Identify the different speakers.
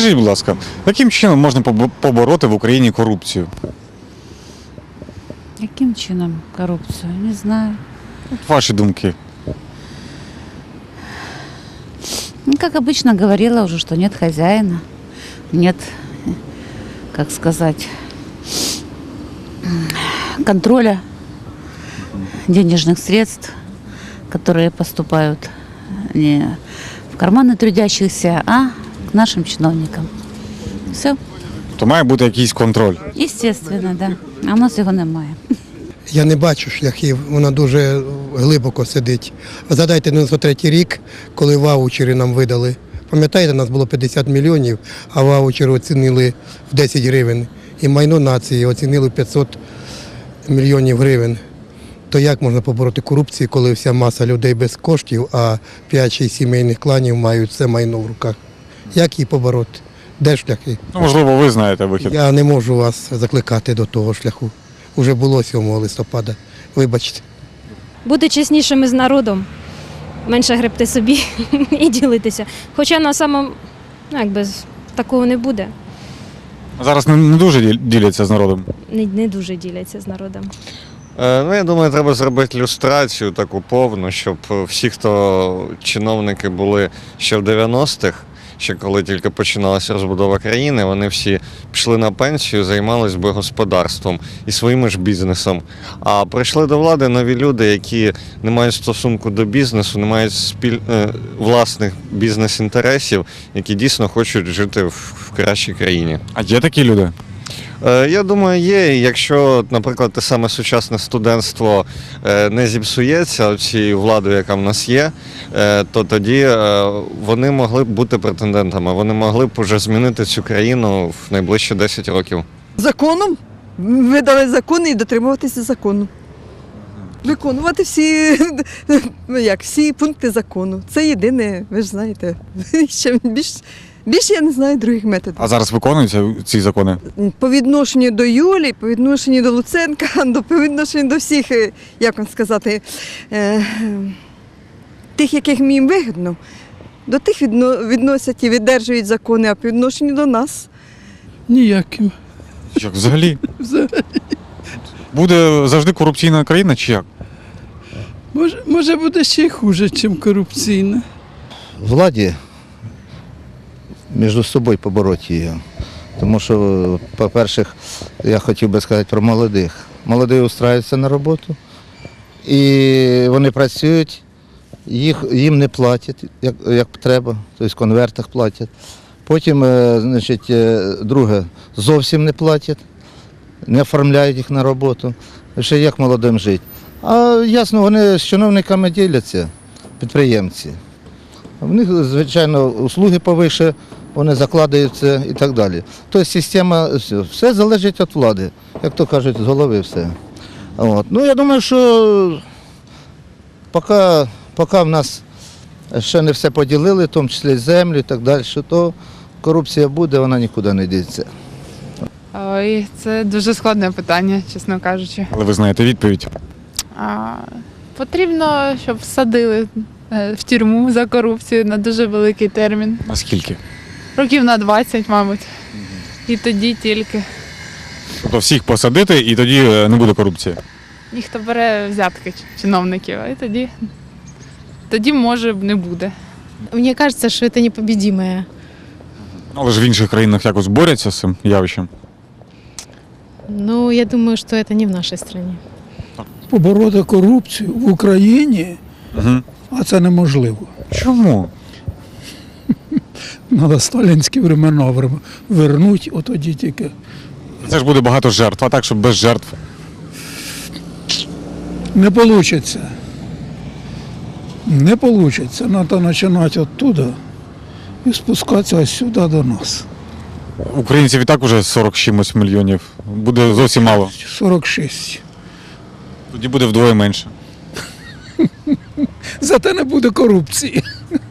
Speaker 1: Скажіть, будь ласка, яким чином можна побороти в Україні корупцію?
Speaker 2: Яким чином коррупцию? Не знаю.
Speaker 1: Ваші думки.
Speaker 2: Ну, как обычно говорила уже, что нет хозяина, нет, как сказать, контроля денежных средств, которые поступают не в карманы трудящихся, а к нашим чиновникам. Все,
Speaker 1: То має бути якийсь контроль.
Speaker 2: естественно, да. А у нас його немає.
Speaker 3: Я не бачу шляхів, вона дуже глибоко сидить. Згадайте 93-й рік, коли ваучери нам видали. Пам'ятаєте, у нас було 50 мільйонів, а ваучери оцінили в 10 гривень. І майно нації оцінили в 500 мільйонів гривень. То як можна побороти корупцію, коли вся маса людей без коштів, а 5-6 сімейних кланів мають все майно в руках? Як її побороти? Де шляхи?
Speaker 1: Ну, можливо, ви знаєте вихід.
Speaker 3: Я не можу вас закликати до того шляху. Уже було 7 листопада. Вибачте.
Speaker 4: Бути чеснішими з народом, менше гребти собі і ділитися. Хоча на самому, такого не буде.
Speaker 1: Зараз не дуже діляться з народом.
Speaker 4: Не дуже діляться з народом.
Speaker 5: Я думаю, треба зробити люстрацію таку повну, щоб всі, хто чиновники були ще в 90-х, ще коли тільки починалася розбудова країни, вони всі пішли на пенсію, займалися би господарством і своїм ж бізнесом. А прийшли до влади нові люди, які не мають стосунку до бізнесу, не мають власних бізнес-інтересів, які дійсно хочуть жити в кращій країні.
Speaker 1: А є такі люди?
Speaker 5: Я думаю, є. Якщо, наприклад, те саме сучасне студентство не зіпсується цією владою, яка в нас є, то тоді вони могли б бути претендентами. Вони могли б уже змінити цю країну в найближчі 10 років.
Speaker 6: Законом видали закон і дотримуватися закону. Виконувати всі пункти закону. Це єдине, ви ж знаєте. Ще більше я не знаю других методів.
Speaker 1: А зараз виконуються ці закони?
Speaker 6: По відношенню до Юлі, по відношенню до Луценка, по відношенню до всіх, як вам сказати, тих, яких їм вигідно, до тих відносять і віддержують закони, а по відношенню до нас.
Speaker 7: Ніяким.
Speaker 1: Як взагалі?
Speaker 7: Взагалі.
Speaker 1: Буде завжди корупційна країна чи як?
Speaker 7: Може буде ще й хуже, ніж корупційна.
Speaker 8: Владі між собою побороти її. Тому що, по-перше, я хотів би сказати про молодих. Молоді устраюються на роботу, і вони працюють, їм не платять, як треба, тобто в конвертах платять. Потім, друге, зовсім не платять, не оформляють їх на роботу. Ще як молодим жити. А ясно, вони з чиновниками діляться, підприємці. В них, звичайно, услуги повише, вони закладаються і так далі. Тобто система, все залежить від влади, як то кажуть, з голови все. Я думаю, що поки в нас ще не все поділили, в тому числі землю і так далі, то корупція буде, вона нікуди не діться.
Speaker 9: Ой, це дуже складне питання, чесно кажучи.
Speaker 1: Але ви знаєте відповідь.
Speaker 9: Потрібно, щоб всадили в тюрму за корупцію на дуже великий термін.
Speaker 1: Наскільки?
Speaker 9: Років на 20, мабуть. І тоді тільки.
Speaker 1: Тобто всіх посадити і тоді не буде корупції?
Speaker 9: Ніхто бере взятки чиновників, і тоді може не буде.
Speaker 10: Мне кажется, что это непобедимое.
Speaker 1: Але ж в інших країнах якось борються з цим явищем.
Speaker 10: Но я думаю, что это не в нашей стране.
Speaker 7: Побороти корупцію в Україні, а це неможливо.
Speaker 1: Чому?
Speaker 7: Треба сталінські времена вернути, тоді тільки.
Speaker 1: Це ж буде багато жертв, а так, щоб без жертв.
Speaker 7: Не вийде. Не вийде. Треба починати оттуда і спускатися ось сюди до нас.
Speaker 1: Українців і так вже 40 чимось мільйонів. Буде зовсім мало.
Speaker 7: 46.
Speaker 1: Тоді буде вдвоє менше.
Speaker 7: Зате не буде корупції.